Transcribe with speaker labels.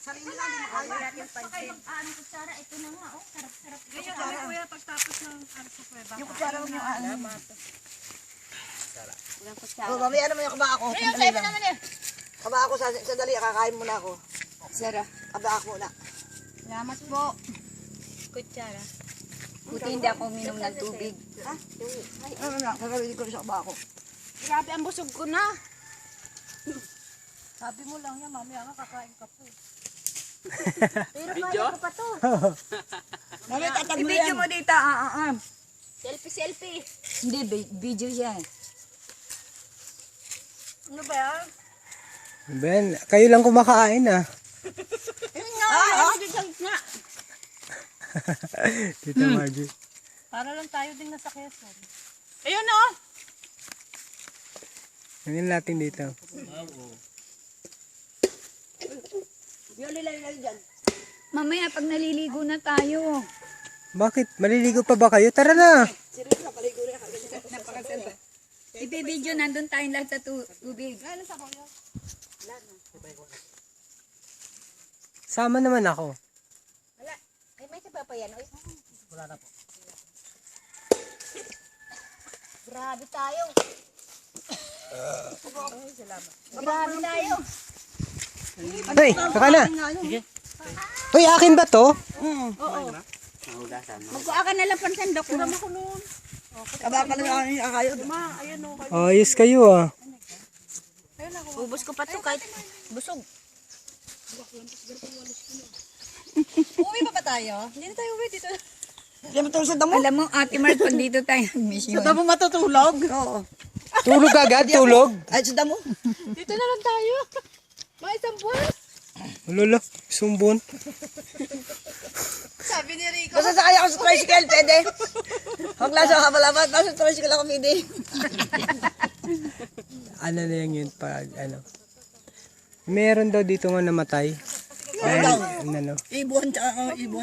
Speaker 1: Sarili lang, hindi makaya.
Speaker 2: Wala yung pansin. Ano kutsara, ito na nga, oh. Sarap-sarap.
Speaker 1: Ganyan kami kuya pagtapos ng sa kuweba. Yung kutsara mo yung ano.
Speaker 2: Walang kutsara.
Speaker 1: Oh, mamaya naman yung kaba ako.
Speaker 2: Yung sa'yo naman eh.
Speaker 1: Kaba ako, sandali, kakain muna ako.
Speaker 2: Sarap.
Speaker 1: Kaba ako muna.
Speaker 2: Salamat po. Kutsara. Buti hindi ako uminom ng tubig.
Speaker 1: Ha? Ano na, kakaroon ko rin sa kaba ako.
Speaker 2: Grabe, ang busog ko na.
Speaker 1: Sabi mo lang yan, mamaya nga kakain ka po.
Speaker 2: Pero kaya ko pa to.
Speaker 1: Mamaya tatag mo
Speaker 2: I-video
Speaker 1: yan.
Speaker 2: mo dito, Selfie. Hindi, video yan.
Speaker 1: Ano ba yan?
Speaker 3: Ben, kayo lang kumakain ah.
Speaker 2: Yun nga, nga.
Speaker 3: Tita Margie.
Speaker 1: Para lang tayo din nasa Quezon. Ayun o!
Speaker 3: Ngayon natin dito.
Speaker 1: Yung lilay dyan.
Speaker 2: Mamaya pag naliligo na tayo.
Speaker 3: Bakit? Maliligo pa ba kayo? Tara na!
Speaker 1: Seryoso, paligo rin ako.
Speaker 2: Napakasal. Ibe-video, nandun tayong lahat sa tubig.
Speaker 1: Ano sa kuya?
Speaker 3: Sama naman ako.
Speaker 2: Wala. Ay, may taba pa yan. Oy.
Speaker 1: Wala na po.
Speaker 2: Grabe tayo. Grabe tayo.
Speaker 3: Hoy, saka na! Hoy, akin ba to?
Speaker 2: Magkuha ka na lang pang sandok mo.
Speaker 1: Kaba pa lang ako yung akayo.
Speaker 3: Ayos kayo ah.
Speaker 2: Ubus ko pa to kahit busog.
Speaker 1: Uwi pa ba tayo? Hindi na tayo uwi dito. Hindi mo tulog sa damo?
Speaker 2: Alam mo, Ate Mart, pag dito tayo mission.
Speaker 1: Sa damo matutulog? Oo.
Speaker 3: Tulog agad, tulog.
Speaker 1: Ay, sa damo?
Speaker 2: Dito na lang tayo. Mga isang buwan.
Speaker 3: Lolo, sumbon.
Speaker 2: Sabi ni Rico.
Speaker 1: Basta sakay ako sa tricycle, pwede. Huwag lang sa kapalaban, tapos sa tricycle ako pwede.
Speaker 3: Ano na lang yun pag ano. Meron daw dito nga namatay.
Speaker 1: Ano daw?
Speaker 3: Ano.
Speaker 1: Ibon, tsaka ibon.